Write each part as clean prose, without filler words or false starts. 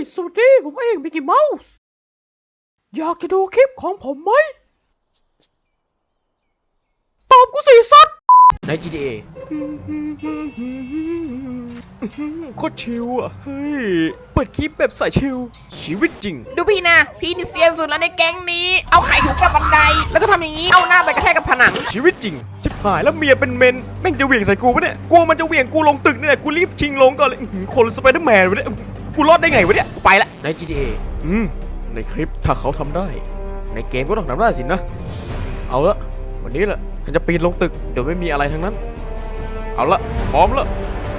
สวัสดีผมเองมิกกี้เมาส์อยากจะดูคลิปของผมไหมตอบกูสิสัตว์ใน GTA โคตรชิลอ่ะเฮ้ยเปิดคลิปแบบสายชิลชีวิตจริงดูพี่นะพี่นี่เซียนสุดแล้วในแก๊งนี้เอาไข่ถูกกับบันไดแล้วก็ทำอย่างนี้เอาหน้าไปกระแทกกับผนังชีวิตจริงชิบหายแล้วเมียเป็นเมนแม่งจะเหวี่ยงใส่กูปะเนี่ยกลัวมันจะเหวี่ยงกูลงตึกนี่แหละกูรีบชิงลงก่อนเลยคนสไปเดอร์แมนวะเนี่ยกูรอดได้ไงวะเนี่ยไปละใน GTA ในคลิปถ้าเขาทำได้ในเกมก็ต้องทำได้สินะเอาละวันนี้แหละฉันจะปีนลงตึกเดี๋ยวไม่มีอะไรทั้งนั้นเอาละพร้อมละ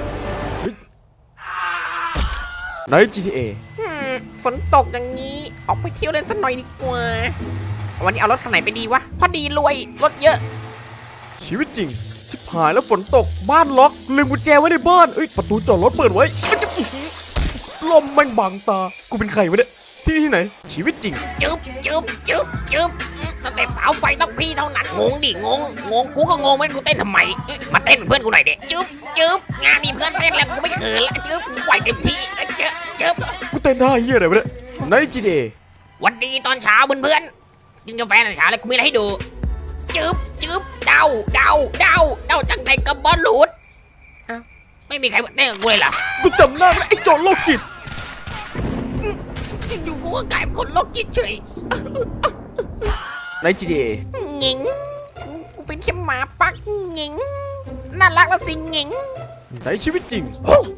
ใน GTA ฝนตกอย่างนี้ออกไปเที่ยวเล่นสักหน่อยดีกว่าวันนี้เอารถคันไหนไปดีวะพอดีรวยรถเยอะชีวิตจริงชิบหายแล้วฝนตกบ้านล็อกลืมกุญแจไว้ในบ้านประตูจอดรถเปิดไว้ลมแม่งบังตากูเป็นใครวะเนี่ยที่ไหนชีวิตจริงจึ๊บสเต็ปเท้าไฟต้องพี่เท่านั้นงงดิงงกูก็งงเหมือนกูเต้นทำไมมาเต้นเพื่อนกูหน่อยเด็จึ๊บงานมีเพื่อนเต้นแล้วกูไม่เขินละจึ๊บไหวเต็มที่จึ๊บกูเต้นท่าเหี้ยอะไรวะเนี่ยใน GTA วันดีตอนเช้าเพื่อนกินกาแฟตอนเช้าแล้วกูมีอะไรให้ดูจึ๊บเดาจากไหนกับบอลลูดไม่มีใครมาเต้นกับกูเลยเหรอกูจำหน้าไอ้โจรโรคจิตอยู่กูก็กลายเป็นคนโรคจิตเฉยใน GTA หญิงกูเป็นแค่หมาปักหญิงน่ารักละสิหญิงในชีวิตจริง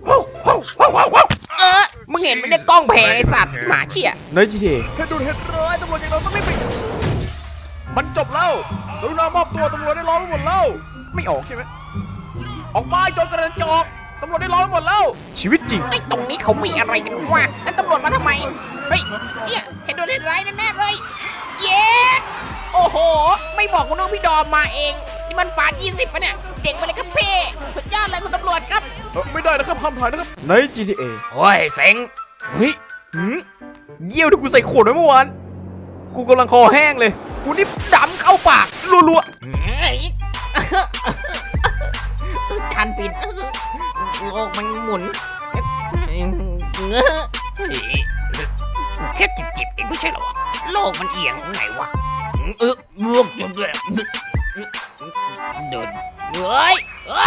มึงเห็นไม่ได้กล้องแพงไอสัตว์หมาเชี่ยใน GTA เฮ็ดดูเฮ็ดร้ายตำรวจอย่างเราต้องไม่ปิดมันจบแล้วกรุณามอบตัวตำรวจได้ล้อมหมดแล้วไม่ออกใช่ไหมออกมาจนกระจอกตำรวจได้ล้อมหมดแล้วชีวิตจริงไอ้ตรงนี้เขามีอะไรกันวะแล้วตำรวจมาทำไมเฮ้ยเชี่ยเห็นโดนเล่นร้ายแน่ๆเลยเย้โอ้โหไม่บอกคุณน้องพี่ดอมมาเองนี่มันฝา20ปะเนี่ยเจ๋งไปเลยครับเพ่สุดยอดเลยคุณตำรวจครับไม่ได้นะครับห้ามถ่ายนะครับใน GTA โอ้ยเซ็งเฮ้ยเยี่ยวที่กูใส่ขวดไว้เมื่อวานกูกำลังคอแห้งเลยกูนี่ดำเข้าปากรัวๆจานปิดโลกมันหมุนแค่จิบเองไม่ใช่หรอวะโลกมันเอียงไงวะลวกจนเลยเดินเฮ้ย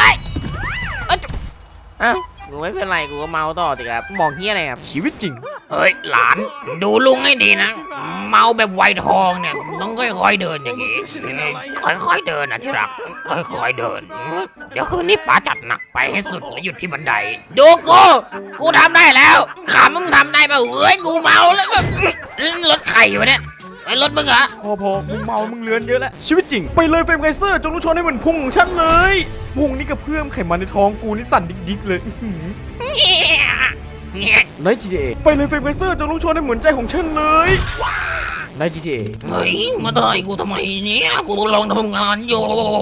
กูไม่เป็นไรกูก็เมาต่อสิครับมองเฮี้ยอะไรครับชีวิตจริงเฮ้ยหลานดูลุงให้ดีนะเมาแบบไวทองเนี่ยต้องค่อยๆเดินอย่างงี้ค่อยๆเดินนะที่รักค่อยๆเดินเดี๋ยวคืนนี้ป๋าจัดหนักไปให้สุดแล้วหยุดที่บันไดดูกูทำได้แล้วขามึงทำได้ป่ะเฮ้ยกูเมาแล้วก็รถไข่วะเนี่ยไอ้รถมึงเหรอพอมึงเมามึงเลือนเยอะแล้วชีวิตจริงไปเลยเฟรมไกเซอร์จงรู้ชนให้เหมือนพุงของฉันเลยพุงนี่กระเพื่อมไขมันในท้องกูนี่สั่นดิ๊กเลยใน GTA ไปเลยเฟรมไกเซอร์จงรู้ชนให้เหมือนใจของฉันเลยใน GTA เฮ้ยมาได้กูทำไมเนี่ยกูลองทำงานอยู่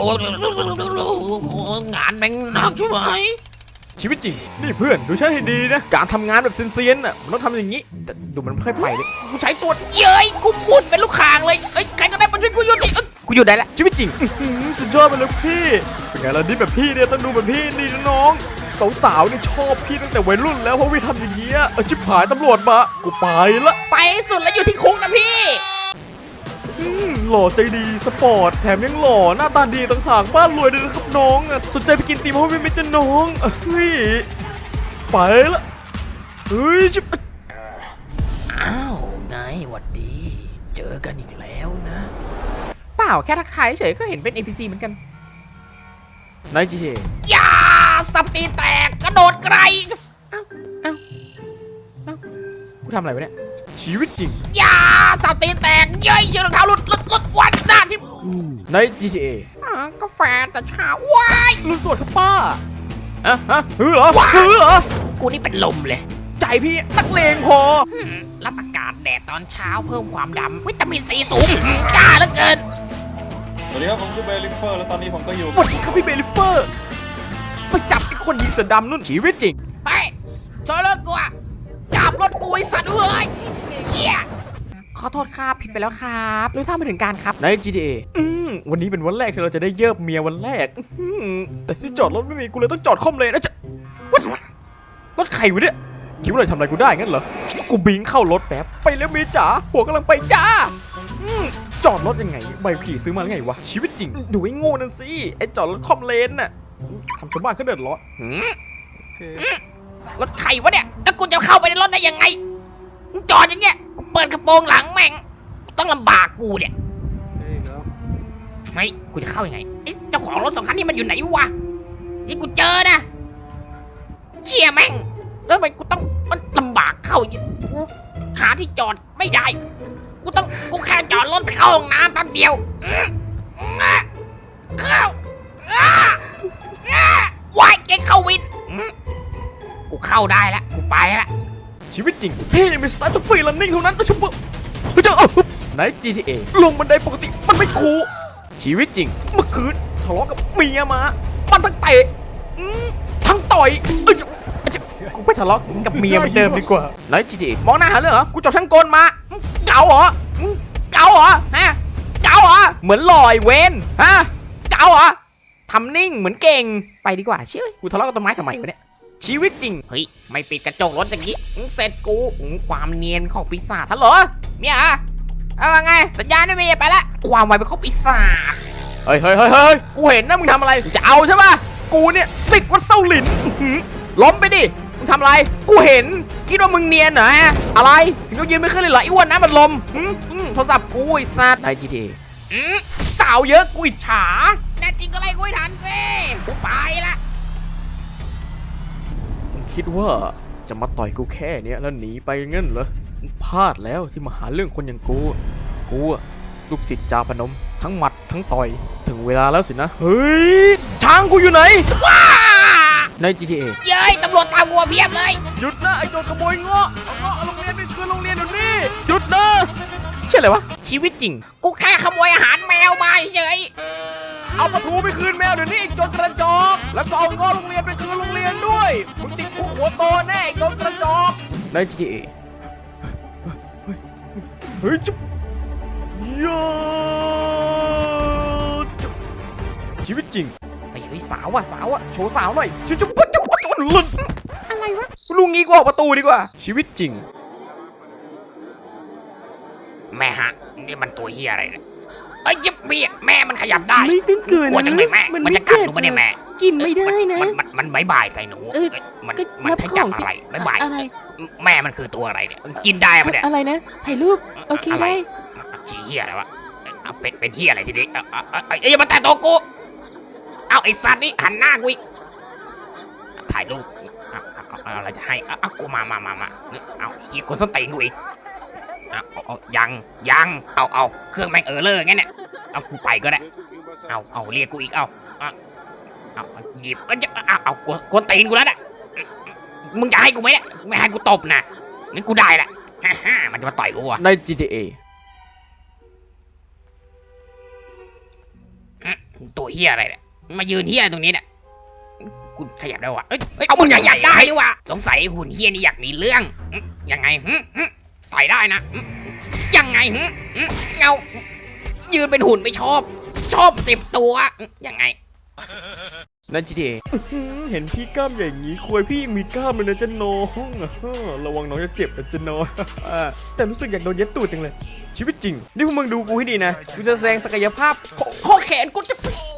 งานแม่งหนักใช่ไหมชีวิตจริงนี่เพื่อนดูฉันให้ดีนะการทำงานแบบเซียนๆน่ะมันต้องทำอย่างนี้แต่ดูมันไม่ค่อยไปเลยกูใช้ตัวเย้ยกูพูดเป็นลูกคางเลยใครก็ได้มาช่วยกูหยุดดิกูหยุดได้แล้วชีวิตจริงสุดยอดไปเลยพี่เป็นไงล่ะนี่แบบพี่เนี่ยต้องดูแบบพี่นี่นะน้องสาวๆนี่ชอบพี่ตั้งแต่วัยรุ่นแล้วเพราะพี่ทำอย่างเงี้ยชิบหายตำรวจมากูไปละไปสุดแล้วอยู่ที่คุกนะพี่หล่อใจดีสปอร์ตแถมยังหล่อหน้าตาดีต่างหากบ้านรวยด้วยนะครับน้องสนใจไปกินตีมเพราะไม่จะน้องเฮ้ยไปละเฮ้ยชิบอ้าวไงหวัดดีเจอกันอีกแล้วนะเปล่าแค่ทักทายเฉยก็เห็นเป็น NPC เหมือนกันใน GTA อย่าสับตีแตกกระโดดไกลเอ้ากูทำอะไรวะเนี่ยชีวิตจริงอย่าสับตีแตกเย้ยเชือกรองเท้าหลุดวันหน้าที่ใน GTA กาแฟแต่เช้าว้ายรู้สวดครับป้าฮือเหรอกูนี่เป็นลมเลยใจพี่นักเลงพอรับอากาศแดดตอนเช้าเพิ่มความดำวิตามินซีสูงจ้าเหลือเกินสวัสดีครับผมคือเบลิฟเฟอร์แล้วตอนนี้ผมก็อยู่สวัสดีครับพี่เบลิฟเฟอร์ไปจับไอ้คนยิงเสือดำนู่นชีวิตจริงไปช่วยรถกูอะจับรถกูไอ้สัตว์เอ้ยเชี่ยขอโทษครับผิดไปแล้วครับรู้เท่าไม่ถึงการครับใน GTA วันนี้เป็นวันแรกที่เราจะได้เยิบเมียวันแรกแต่ที่จอดรถไม่มีกูเลยต้องจอดค่อมเลยนะจะรถใครวะเนี่ยคิดว่าเราทำอะไรกูได้งั้นเหรอ กูบิงเข้ารถแป๊บ ไปแล้วเมียจ๋าหัวกำลังไปจ้าจอดรถยังไงใบขี่ซื้อมาแล้วไงวะ ชีวิตจริง ดูไอ้โง่นั่นสิ ไอ้จอดรถคอมเลนน่ะทำชาวบ้านเขาเดือดร้อนรถใครวะเนี่ย แล้วกูจะเข้าไปในรถได้ยังไงมึงจอดอย่างเงี้ย กูเปิดกระโปรงหลังแม่ง ต้องลำบากกูเนี่ย ไม่กูจะเข้ายังไงไอ้เจ้าของรถสองคันนี้มันอยู่ไหนวะ นี่กูเจอนะ เชี่ยแม่ง แล้วทำไมกูต้องมันลำบากเข้าอย่างกูหาที่จอดไม่ได้ กูแค่จอดรถไปเข้าห้องน้ำแป๊บเดียวเข้าวายเจ๊เข้าวินกูเข้าได้แล้วกูไปแล้วชีวิตจริงที่มีสไตล์ต้องฟรีลันนิ่งเท่านั้นนะชุบเฮ้ยเจ้าใน GTA ลงบันไดปกติมันไม่คูลชีวิตจริงเมื่อคืนทะเลาะกับเมียมา มันทั้งเตะทั้งต่อยกูไปทะเลาะกับเมียเหมือนเดิมดีกว่าใน GTA มองหน้าหาเรื่องเหรอ กูจับช่างกลมาเก๋าเหรอเก๋าเหรอฮะเก๋าเหรอเหมือนลอยเวนฮะเก๋าเหรอทำนิ่งเหมือนเก่งไปดีกว่าเชื่อกูทะเลาะกับต้นไม้ทำไมวะเนี่ยชีวิตจริงเฮ้ยไม่ปิดกระจกรถอย่างนี้เสร็จกูความเนียนของปีศาจฮัลโหลเมียเอาไงสัญญาณไม่มีไปละความไวเป็นของปีศาจเฮ้ยกูเห็นนะมึงทำอะไรจะเอาใช่ปะกูเนี่ยสิทธิ์วัดเซาหลินล้มไปดิมึงทำอะไรกูเห็นคิดว่ามึงเนียนเหรออะไรถึงต้องยืนไม่ขึ้นเลยเหรอไอ้อ้วนนะมันลมโทรศัพท์กูไอ้สัตว์ไอ้ GTA สาวเยอะกูอิจฉาแน่จริงก็ไล่กูให้ทันสิกูไปละคิดว่าจะมาต่อยกูแค่เนี้ยแล้วหนีไปงั้นเหรอพลาดแล้วที่มาหาเรื่องคนอย่างกูอะลูกศิษย์จาพนมทั้งหมัดทั้งต่อยถึงเวลาแล้วสินะเฮ้ยช้างกูอยู่ไหนว้าใน GTA เย้ยตำรวจตามกูเพียบเลยหยุดนะไอ้โจรขโมยเงาะเอาเงาะโรงเรียนไปคืนโรงเรียนเดี๋ยวนี้หยุดนะเชื่ออะไรวะชีวิตจริงกูแค่ขโมยอาหารแมวมาเฉยเอาปลาทูไปคืนแมวเดี๋ยวนี้ไอ้โจรกระจอกแล้วก็เอาเงาะโรงเรียนไปคืนโรงเรียนด้วยมึงติดคุกหัวโตแน่ไอ้โจรกระจอกใน GTA เฮ้ยจุ๊บยอดชีวิตจริงไอ้เฮ้ยสาวอะโชว์สาวหน่อยจุ๊บหลุดอะไรวะลุงงี้กูออกประตูดีกว่าชีวิตจริงแม่ฮะนี่มันตัวเฮียอะไรเนี่ยเอ้ยยิบเบี้ยแม่มันขยับได้ไม่ต้องเกินกลัวจังเลยแม่มันจะกัดหนูปะเนี่ยแม่กินไม่ได้นะมันบายบายใส่หนูเออมันก็มันรับให้จับของอะไรบายบายอะไรแม่มันคือตัวอะไรเนี่ยมันกินได้ปะเนี่ยอะไรนะ ถ่ายรูป โอเคอะไรได้ชี้เฮียอะไรวะเอาเป็นเฮียอะไรทีนี้อย่ามาแตะตัวกูเอาไอ้สัตว์นี่หันหน้ากูอีกถ่ายรูปเอาอะไรจะให้เอากูมาเอาเฮียกูส้นตีนกูอีกเอายังเอาเครื่องแม่งเลอร์งั้นเนี่ยเอากูไปก็ได้เอาเรียกกูอีกเอาหยิบเอากวนตีนกูแล้วน่ะมึงจะให้กูไหมเนี่ยไม่ให้กูตบนะงั้นกูได้แหละมันจะมาต่อยกูอ่ะใน GTA ตัวเฮียอะไรเนี่ยมายืนเฮียตรงนี้เนี่ยกูขยับได้วะเอามึงอยากได้ดิวะสงสัยหุ่นเฮียนี่อยากมีเรื่องยังไงต่อยได้นะยังไงเงายืนเป็นหุ่นไม่ชอบ10 ตัวยังไงใน GTA เห็นพี่กล้ามใหญ่อย่างนี้ควยพี่ยังมีกล้ามเลยนะจะน้องระวังน้องจะเจ็บนะจะน้องแต่รู้สึกอยากโดนเย็ดตูดจังเลยชีวิตจริงนี่พวกมึงดูกูให้ดีนะกูจะแสดงศักยภาพข้อแขนกูจะ